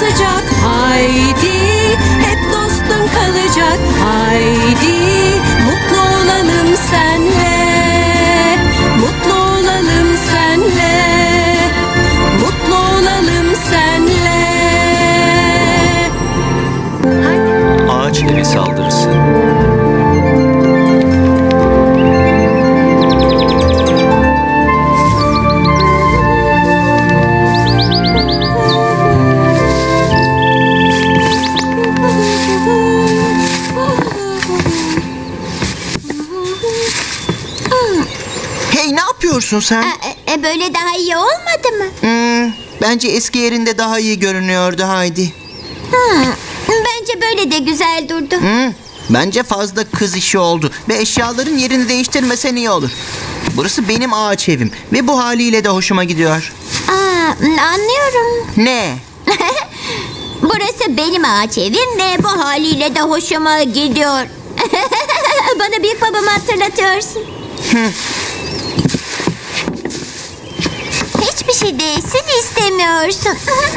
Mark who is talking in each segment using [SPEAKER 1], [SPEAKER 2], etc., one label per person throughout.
[SPEAKER 1] olacak. Haydi, hep dostun kalacak. Haydi, mutlu olalım senle. Mutlu olalım senle. Mutlu olalım senle.
[SPEAKER 2] Ağaç evi saldırısı.
[SPEAKER 3] Hey, ne yapıyorsun sen?
[SPEAKER 4] Böyle daha iyi olmadı mı?
[SPEAKER 3] Bence eski yerinde daha iyi görünüyordu Haydi.
[SPEAKER 4] Bence böyle de güzel durdu.
[SPEAKER 3] Bence fazla kız işi oldu ve eşyaların yerini değiştirmesen iyi olur. Burası benim ağaç evim ve bu haliyle de hoşuma gidiyor.
[SPEAKER 4] Anlıyorum.
[SPEAKER 3] Ne?
[SPEAKER 4] Burası benim ağaç evim ve bu haliyle de hoşuma gidiyor. Bana büyük babamı hatırlatıyorsun. Hiçbir şey değilsin istemiyorsun.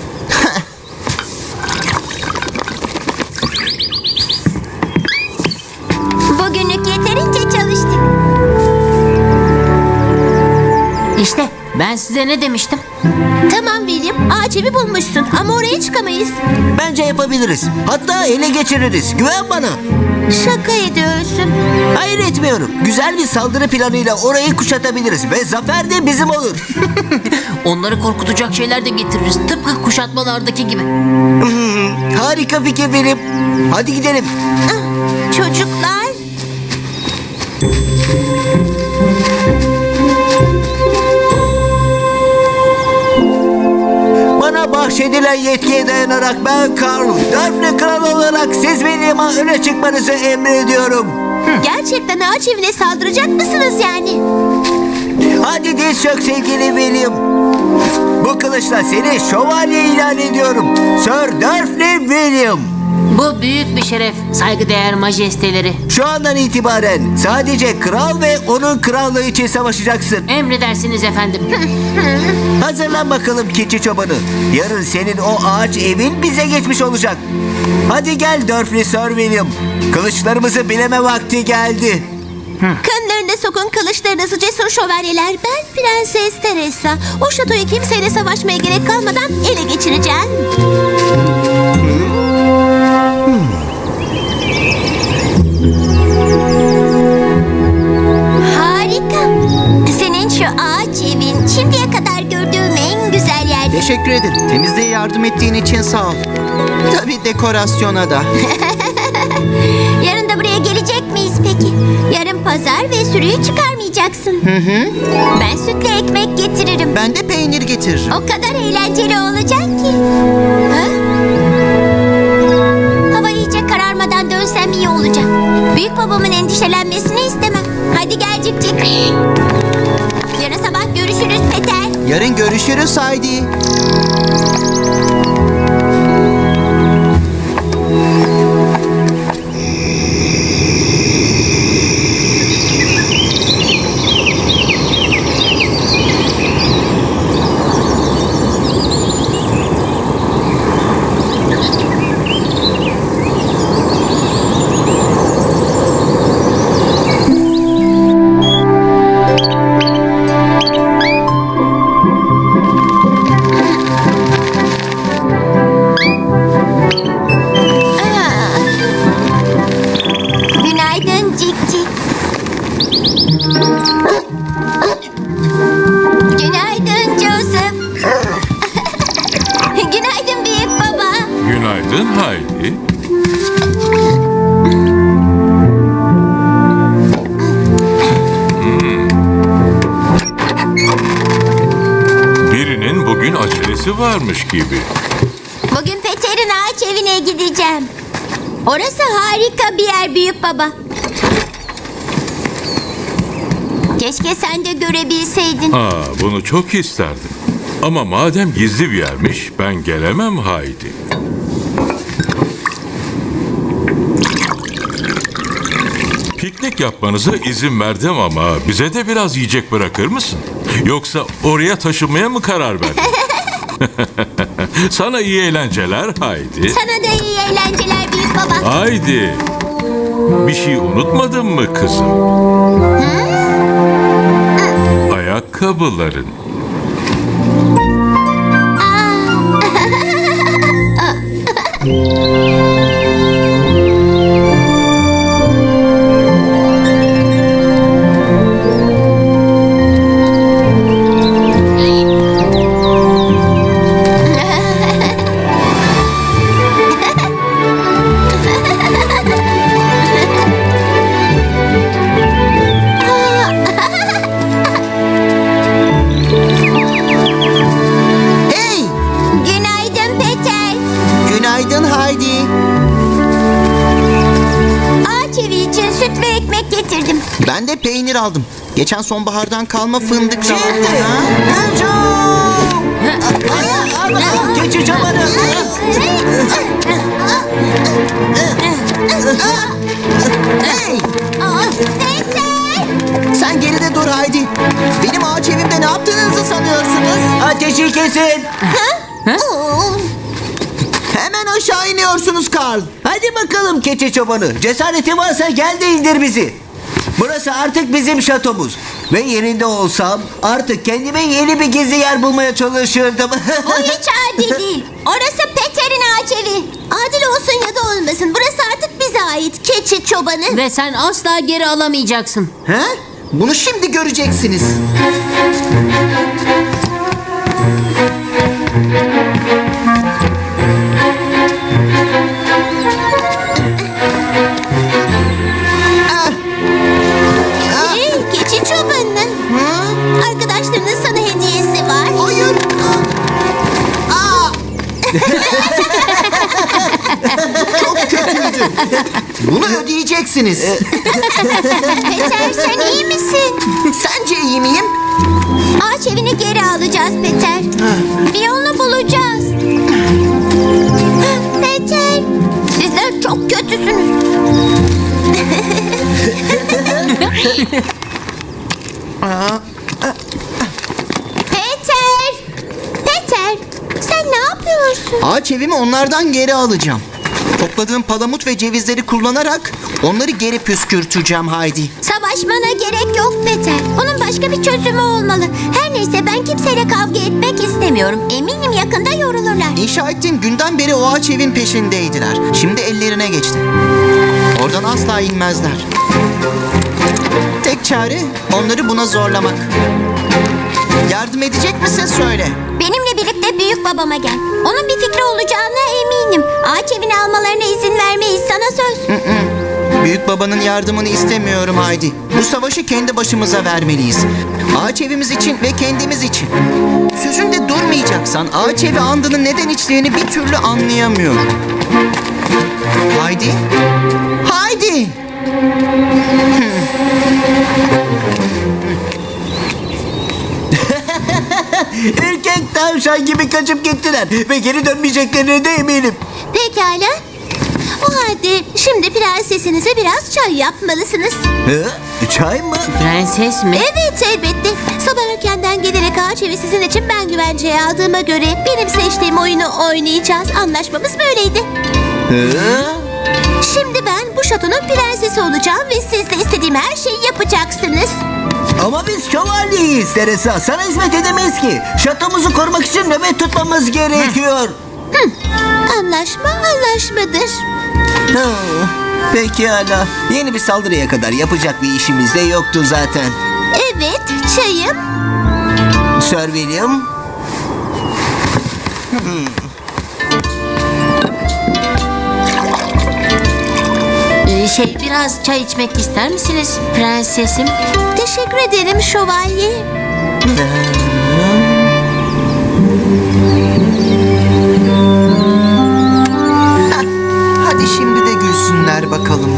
[SPEAKER 4] Bugünlük yeterince çalıştık.
[SPEAKER 5] İşte ben size ne demiştim?
[SPEAKER 4] Tamam William, ağaç evi bulmuşsun ama oraya çıkamayız.
[SPEAKER 6] Bence yapabiliriz. Hatta ele geçiririz. Güven bana.
[SPEAKER 4] Şaka ediyorsun.
[SPEAKER 6] Hayır, etmiyorum. Güzel bir saldırı planıyla orayı kuşatabiliriz ve zafer de bizim olur.
[SPEAKER 5] Onları korkutacak şeyler de getiririz. Tıpkı kuşatmalardaki gibi.
[SPEAKER 6] Harika fikir benim. Hadi gidelim.
[SPEAKER 4] Çocuklar.
[SPEAKER 6] Bana bahşedilen yetkiye dayanarak ben Karl, Daphne Kral olarak siz William'a öne çıkmanızı emrediyorum.
[SPEAKER 4] Gerçekten ağaç evine saldıracak mısınız yani?
[SPEAKER 6] Hadi diz çök sevgili William. Bu kılıçla seni şövalye ilan ediyorum. Sir Daphne William.
[SPEAKER 5] Bu büyük bir şeref, saygıdeğer majesteleri.
[SPEAKER 6] Şu andan itibaren sadece kral ve onun krallığı için savaşacaksın.
[SPEAKER 5] Emredersiniz efendim.
[SPEAKER 6] Hazırlan bakalım keçi çobanı. Yarın senin o ağaç evin bize geçmiş olacak. Hadi gel Durfee Sir William. Kılıçlarımızı bileme vakti geldi.
[SPEAKER 4] Kanlarına sokun kılıçlarınızı cesur şövalyeler. Ben Prenses Teresa. O şatoyu kimseyle savaşmaya gerek kalmadan ele geçireceğim. Harika. Senin şu ağaç evin şimdiye kadar gördüğüm en güzel yer.
[SPEAKER 3] Teşekkür ederim. Temizliğe yardım ettiğin için sağ ol. Tabii dekorasyona da.
[SPEAKER 4] Yarın da buraya gelecek miyiz peki? Yarın pazar ve sürüyü çıkarmayacaksın. Ben sütle ekmek getiririm.
[SPEAKER 3] Ben de peynir getiririm.
[SPEAKER 4] O kadar eğlenceli olacak ki. Ha? Hava iyice kararmadan dönsem iyi olacak. Büyük babamın endişelenmesini istemem. Hadi gel Cik Cik. Yarın sabah görüşürüz Peter.
[SPEAKER 3] Yarın görüşürüz Haydi.
[SPEAKER 4] Günaydın Cik Cik. Günaydın Joseph. Günaydın büyük baba.
[SPEAKER 7] Günaydın Haydi. Birinin bugün acelesi varmış gibi.
[SPEAKER 4] Bugün Peter'in ağaç evine gideceğim. Orası harika bir yer büyük baba. Keşke sen de görebilseydin.
[SPEAKER 7] Bunu çok isterdim. Ama madem gizli bir yermiş, ben gelemem Haydi. Piknik yapmanıza izin verdim ama bize de biraz yiyecek bırakır mısın? Yoksa oraya taşınmaya mı karar verdin? Sana iyi eğlenceler Haydi.
[SPEAKER 4] Sana da iyi eğlenceler büyük baba.
[SPEAKER 7] Haydi. Bir şey unutmadın mı kızım? Ayakkabıların.
[SPEAKER 3] Hey!
[SPEAKER 4] Günaydın Peter.
[SPEAKER 3] Günaydın Haydi.
[SPEAKER 4] Ağaç evi için süt ve ekmek getirdim.
[SPEAKER 3] Ben de peynir aldım. Geçen sonbahardan kalma fındık da aldım.
[SPEAKER 6] Keçi çobanı.
[SPEAKER 3] Hey!
[SPEAKER 4] Peter!
[SPEAKER 3] Sen geride dur Haydi. Benim ağaç evimde ne yaptığınızı sanıyorsunuz?
[SPEAKER 6] Ateşi kesin.
[SPEAKER 3] Hemen aşağı iniyorsunuz Karl.
[SPEAKER 6] Hadi bakalım keçi çobanı. Cesaretin varsa gel de indir bizi. Burası artık bizim şatomuz. Ve yerinde olsam artık kendime yeni bir gizli yer bulmaya çalışırdım.
[SPEAKER 4] O hiç adil değil. Orası Peter'in ağaç evi. Adil olsun ya da olmasın. Burası artık bize ait. Keçi çobanı.
[SPEAKER 5] Ve sen asla geri alamayacaksın.
[SPEAKER 3] He? Bunu şimdi göreceksiniz.
[SPEAKER 4] Hey keçi çobanı. Arkadaşlarının sana hediyesi var.
[SPEAKER 3] Hayır. Çok kötüydü. Bunu ödeyeceksiniz.
[SPEAKER 4] Peter sen iyi misin?
[SPEAKER 3] Sence iyi miyim?
[SPEAKER 4] Ağaç evini geri alacağız Peter. Bir yolunu bulacağız. Peter, sizler çok kötüsünüz. Peter! Peter, sen ne yapıyorsun?
[SPEAKER 3] Ağaç evimi onlardan geri alacağım. Topladığım palamut ve cevizleri kullanarak onları geri püskürteceğim Haydi.
[SPEAKER 4] Savaşmana gerek yok Peter. Onun başka bir çözümü olmalı. Her neyse ben kimseyle kavga etmek istemiyorum. Eminim yakında yorulurlar.
[SPEAKER 3] İnşa ettiğim günden beri o ağaç evin peşindeydiler. Şimdi ellerine geçti. Oradan asla inmezler. Tek çare onları buna zorlamak. Yardım edecek misin söyle.
[SPEAKER 4] Benimle birlikte büyük babama gel. Onun bir fikri olacağına eminim. Ağaç evini almalarına izin vermeyiz sana söz.
[SPEAKER 3] Büyük babanın yardımını istemiyorum Haydi. Bu savaşı kendi başımıza vermeliyiz. Ağaç evimiz için ve kendimiz için. Sözünde durmayacaksan ağaç evi andının neden içtiğini bir türlü anlayamıyorum. Haydi. Haydi.
[SPEAKER 6] Erkek tavşan gibi kaçıp gittiler. Ve geri dönmeyeceklerine de eminim.
[SPEAKER 4] Pekala. O halde şimdi prensesinize biraz çay yapmalısınız.
[SPEAKER 6] Çay mı?
[SPEAKER 5] Prenses mi?
[SPEAKER 4] Evet elbette. Sabah erkenden gelerek ağaç evi sizin için ben güvenceye aldığıma göre benim seçtiğim oyunu oynayacağız. Anlaşmamız böyleydi. Şimdi ben bu şatonun prensesi olacağım ve siz de istediğim her şeyi yapacaksınız.
[SPEAKER 6] Ama biz şövalyeyiz Teresa. Sana hizmet edemeyiz ki. Şatomuzu korumak için nöbet tutmamız gerekiyor.
[SPEAKER 4] Anlaşma anlaşmadır.
[SPEAKER 6] Pekala. Yeni bir saldırıya kadar yapacak bir işimiz de yoktu zaten.
[SPEAKER 4] Evet çayım.
[SPEAKER 6] Sir William.
[SPEAKER 5] Biraz çay içmek ister misiniz prensesim?
[SPEAKER 4] Teşekkür ederim şövalye.
[SPEAKER 3] Hadi şimdi de gülsünler bakalım.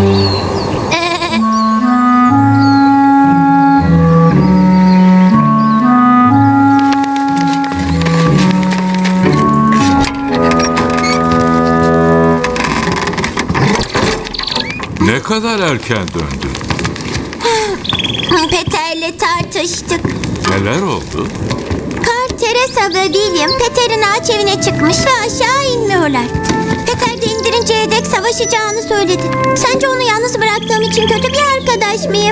[SPEAKER 7] Ne kadar erken döndün?
[SPEAKER 4] Peter'le tartıştık.
[SPEAKER 7] Neler oldu?
[SPEAKER 4] Kart Teresa ve William Peter'in ağaç evine çıkmış ve aşağı inmiyorlar. Peter de indirinceye dek savaşacağını söyledi. Sence onu yalnız bıraktığım için kötü bir arkadaş mıyım?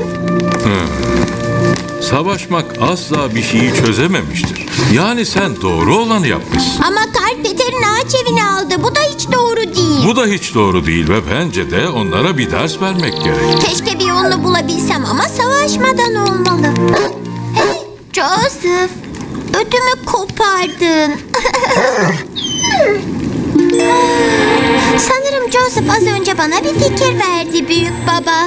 [SPEAKER 7] Savaşmak asla bir şeyi çözememiştir. Yani sen doğru olanı yapmışsın.
[SPEAKER 4] Ama Karl Peter'in ağaç evini aldı. Bu da hiç doğru değil.
[SPEAKER 7] Bu da hiç doğru değil ve bence de onlara bir ders vermek gerek.
[SPEAKER 4] Keşke bir yolunu bulabilsem ama savaşmadan olmalı. Hey, Joseph, ödümü kopardın. Sanırım Joseph az önce bana bir fikir verdi büyük baba.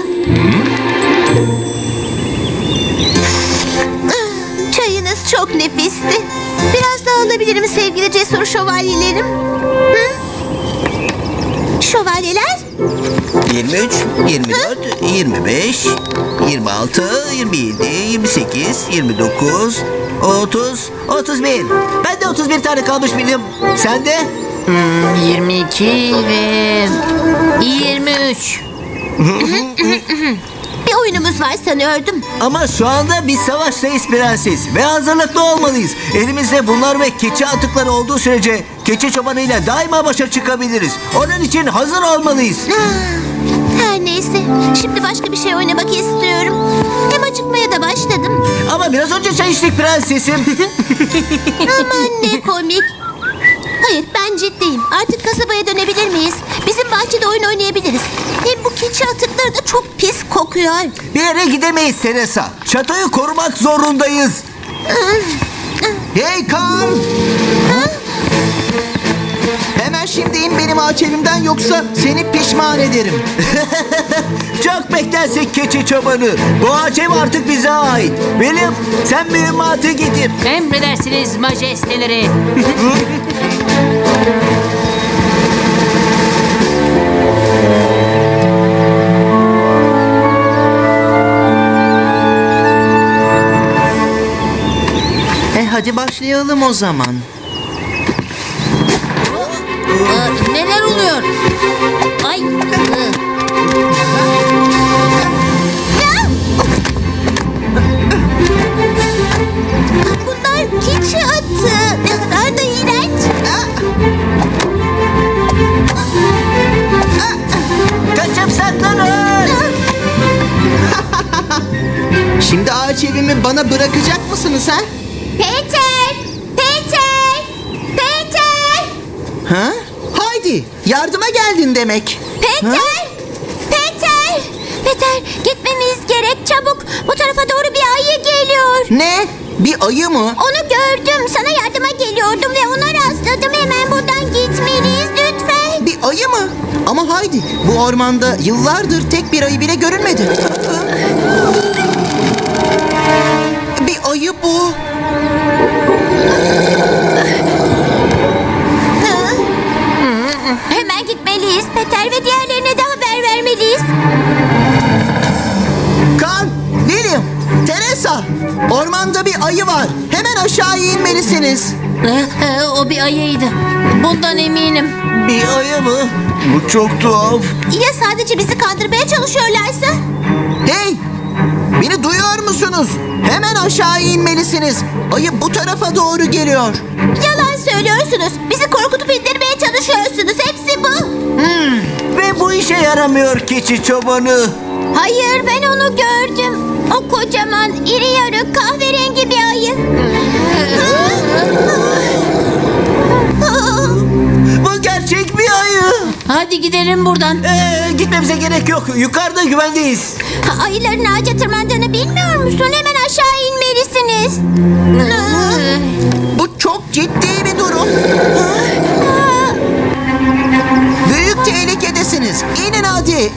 [SPEAKER 4] Çayınız çok nefisti. Biraz daha alabilirim sevgili cesur şövalyelerim. Hı? Şövalyeler?
[SPEAKER 6] 23, 24, 25, 26, 27, 28, 29, 30, 31. Ben de 31 tane kalmış William. Sen de?
[SPEAKER 5] 22 ve 23.
[SPEAKER 4] Bir oyunumuz var sanıyordum.
[SPEAKER 6] Ama şu anda biz savaştayız prenses ve hazırlıklı olmalıyız. Elimizde bunlar ve keçi atıkları olduğu sürece keçi çobanıyla daima başa çıkabiliriz. Onun için hazır olmalıyız.
[SPEAKER 4] Her neyse. Şimdi başka bir şey oynamak istiyorum. Hem acıkmaya da başladım.
[SPEAKER 6] Ama biraz önce çay içtik prensesim.
[SPEAKER 4] Aman ne komik. Hayır ben ciddiyim. Artık kasabaya dönebilir miyiz? Bizim bahçede oyun oynayabiliriz. Hem bu keçi atıkları da çok pis kokuyor.
[SPEAKER 6] Bir yere gidemeyiz Teresa. Çatoyu korumak zorundayız.
[SPEAKER 3] Hey Kaan! Hemen şimdi in benim ağaç evimden yoksa seni pişman ederim.
[SPEAKER 6] Çok beklersek keçi çobanı. Bu ağaç ev artık bize ait. William sen mühimmatı getir.
[SPEAKER 5] Emredersiniz majesteleri.
[SPEAKER 3] Hadi başlayalım o zaman.
[SPEAKER 5] Neler oluyor? Ay.
[SPEAKER 4] Bunlar keçi atı. Ne kadar da iğrenç.
[SPEAKER 6] Kaçıp saklanın.
[SPEAKER 3] Şimdi ağaç evimi bana bırakacak mısınız ha?
[SPEAKER 4] Peter! Peter! Peter!
[SPEAKER 3] Ha? Haydi yardıma geldin demek.
[SPEAKER 4] Peter!
[SPEAKER 3] Ha?
[SPEAKER 4] Peter! Peter gitmemiz gerek çabuk. Bu tarafa doğru bir ayı geliyor.
[SPEAKER 3] Ne? Bir ayı mı?
[SPEAKER 4] Onu gördüm. Sana yardıma geliyordum ve ona rastladım. Hemen buradan gitmeliyiz lütfen.
[SPEAKER 3] Bir ayı mı? Ama haydi bu ormanda yıllardır tek bir ayı bile görünmedi. Bir ayı bu.
[SPEAKER 4] Hemen gitmeliyiz Peter ve diğerlerine de haber vermeliyiz.
[SPEAKER 3] Kan, William, Teresa. Ormanda bir ayı var. Hemen aşağıya inmelisiniz.
[SPEAKER 5] O bir ayıydı. Bundan eminim.
[SPEAKER 6] Bir ayı mı? Bu çok tuhaf.
[SPEAKER 4] Ya sadece bizi kandırmaya çalışıyorlarsa?
[SPEAKER 3] Hey! Beni duyuyor musunuz? Hemen aşağıya inmelisiniz. Ayı bu tarafa doğru geliyor.
[SPEAKER 4] Yalan söylüyorsunuz. Bizi korkutup indirmeye çalışıyorsunuz. Hepsi bu.
[SPEAKER 6] Ve bu işe yaramıyor keçi çobanı.
[SPEAKER 4] Hayır ben onu gördüm. O kocaman, iri yarı, kahverengi bir ayı.
[SPEAKER 6] Bu gerçek bir ayı.
[SPEAKER 5] Hadi gidelim buradan.
[SPEAKER 6] Gitmemize gerek yok. Yukarıda güvendeyiz.
[SPEAKER 4] Ayıların ağaca tırmandığını bilmiyor musun? Hemen aşağı inmelisiniz.
[SPEAKER 3] Bu çok ciddi bir durum. Büyük tehlikedesiniz. İnin hadi.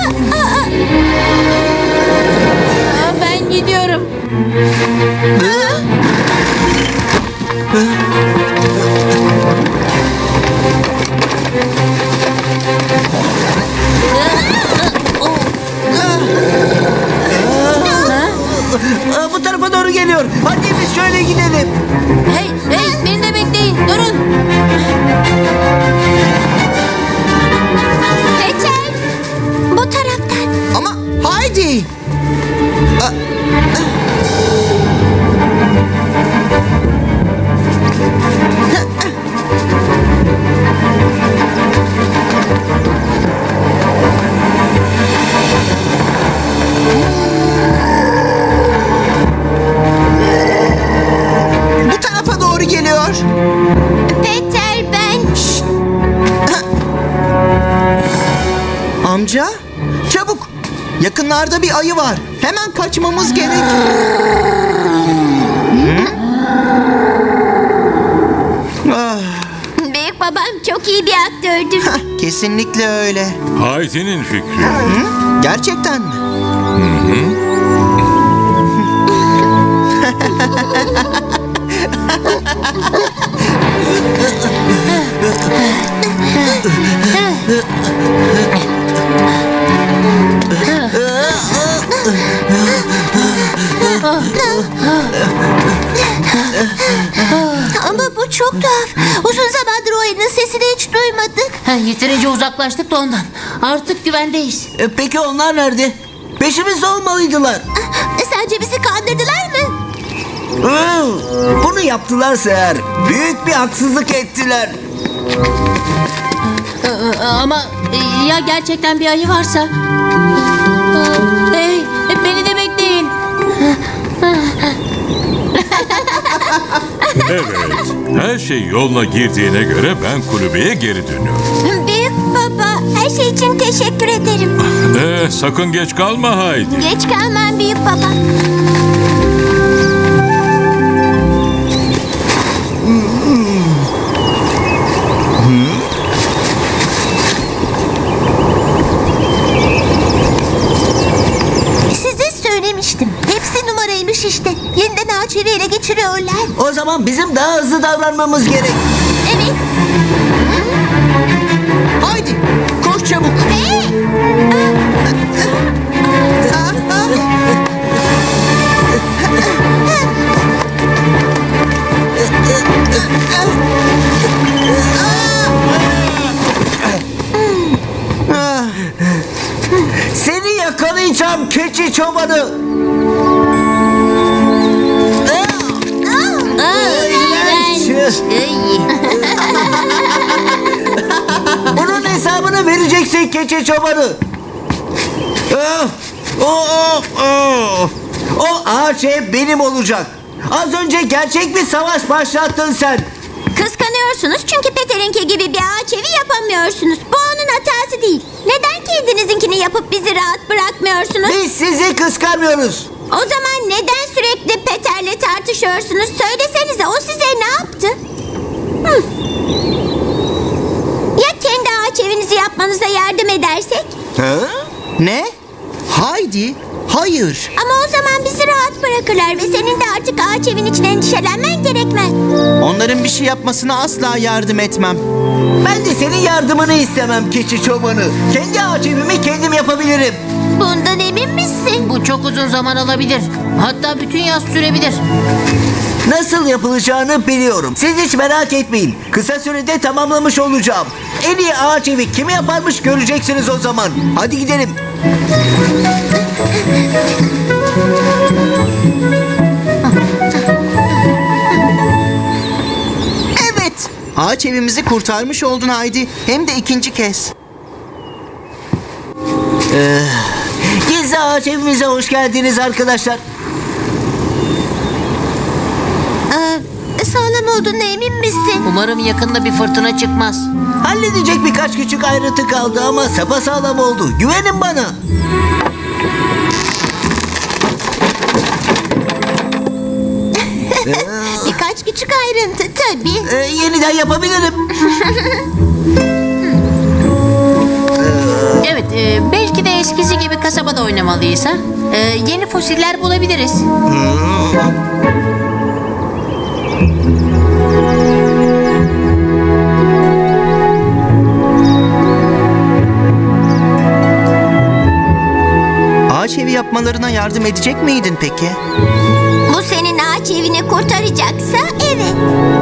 [SPEAKER 5] Ben gidiyorum.
[SPEAKER 6] Bu tarafa doğru geliyor. Hadi biz şöyle gidelim.
[SPEAKER 5] Hey, beni de bekleyin. Durun.
[SPEAKER 4] Peter, bu taraftan.
[SPEAKER 3] Ama haydi. Yakınlarda bir ayı var. Hemen kaçmamız gerek.
[SPEAKER 4] Büyük babam çok iyi bir aktördür.
[SPEAKER 3] Kesinlikle öyle.
[SPEAKER 7] Heidi'nin fikri.
[SPEAKER 3] Gerçekten mi?
[SPEAKER 4] Ama bu çok tuhaf. Uzun zamandır o ayının sesini hiç duymadık.
[SPEAKER 5] Yeterince uzaklaştık da ondan. Artık güvendeyiz.
[SPEAKER 6] Peki onlar nerede? Peşimizde olmalıydılar.
[SPEAKER 4] Sence bizi kandırdılar mı?
[SPEAKER 6] Bunu yaptılarsa eğer büyük bir haksızlık ettiler.
[SPEAKER 5] Ama ya gerçekten bir ayı varsa? Hey, beni de bekleyin.
[SPEAKER 7] Evet, her şey yoluna girdiğine göre ben kulübeye geri dönüyorum.
[SPEAKER 4] Büyük baba, her şey için teşekkür ederim.
[SPEAKER 7] Sakın geç kalma Heidi.
[SPEAKER 4] Geç kalmam büyük baba. Size söylemiştim. Hepsi numaraymış işte. Yeniden ağaç evi ele geçiriyorlar.
[SPEAKER 6] O zaman bizim daha hızlı davranmamız gerek.
[SPEAKER 4] Evet.
[SPEAKER 3] Haydi koş çabuk.
[SPEAKER 6] Seni yakalayacağım keçi çobanı. İğrenç. Bunun hesabını vereceksin keçi çobanı. O ağaç ev benim olacak. Az önce gerçek bir savaş başlattın sen.
[SPEAKER 4] Kıskanıyorsunuz çünkü Peter'inki gibi bir ağaç evi yapamıyorsunuz. Bu onun hatası değil. Neden kendinizinkini yapıp bizi rahat bırakmıyorsunuz?
[SPEAKER 6] Biz sizi kıskanmıyoruz.
[SPEAKER 4] O zaman neden sürekli Peter'le tartışıyorsunuz? Söylesenize, o size ne yaptı? Ya kendi ağaç evinizi yapmanıza yardım edersek?
[SPEAKER 3] Ne? Haydi. Hayır.
[SPEAKER 4] Ama o zaman bizi rahat bırakırlar ve senin de artık ağaç evin için endişelenmen gerekmez.
[SPEAKER 3] Onların bir şey yapmasına asla yardım etmem.
[SPEAKER 6] Ben de senin yardımını istemem keçi çobanı. Kendi ağaç evimi kendim yapabilirim.
[SPEAKER 4] Bundan emin misin?
[SPEAKER 5] Bu çok uzun zaman alabilir. Hatta bütün yaz sürebilir.
[SPEAKER 6] Nasıl yapılacağını biliyorum. Siz hiç merak etmeyin. Kısa sürede tamamlamış olacağım. En iyi ağaç evi kimi yaparmış göreceksiniz o zaman. Hadi gidelim.
[SPEAKER 3] Evet. Ağaç evimizi kurtarmış oldun Haydi. Hem de ikinci kez.
[SPEAKER 6] Gizli ağaç evimize hoş geldiniz arkadaşlar.
[SPEAKER 4] Sağlam olduğuna emin misin?
[SPEAKER 5] Umarım yakında bir fırtına çıkmaz.
[SPEAKER 6] Halledecek birkaç küçük ayrıntı kaldı ama sapasağlam oldu. Güvenin bana.
[SPEAKER 4] Birkaç küçük ayrıntı tabii.
[SPEAKER 6] Yeniden yapabilirim.
[SPEAKER 5] Evet, belki de eskisi gibi kasabada oynamalıyız ha. Yeni fosiller bulabiliriz.
[SPEAKER 3] Ağaç evi yapmalarına yardım edecek miydin peki?
[SPEAKER 4] Bu senin ağaç evini kurtaracaksa evet.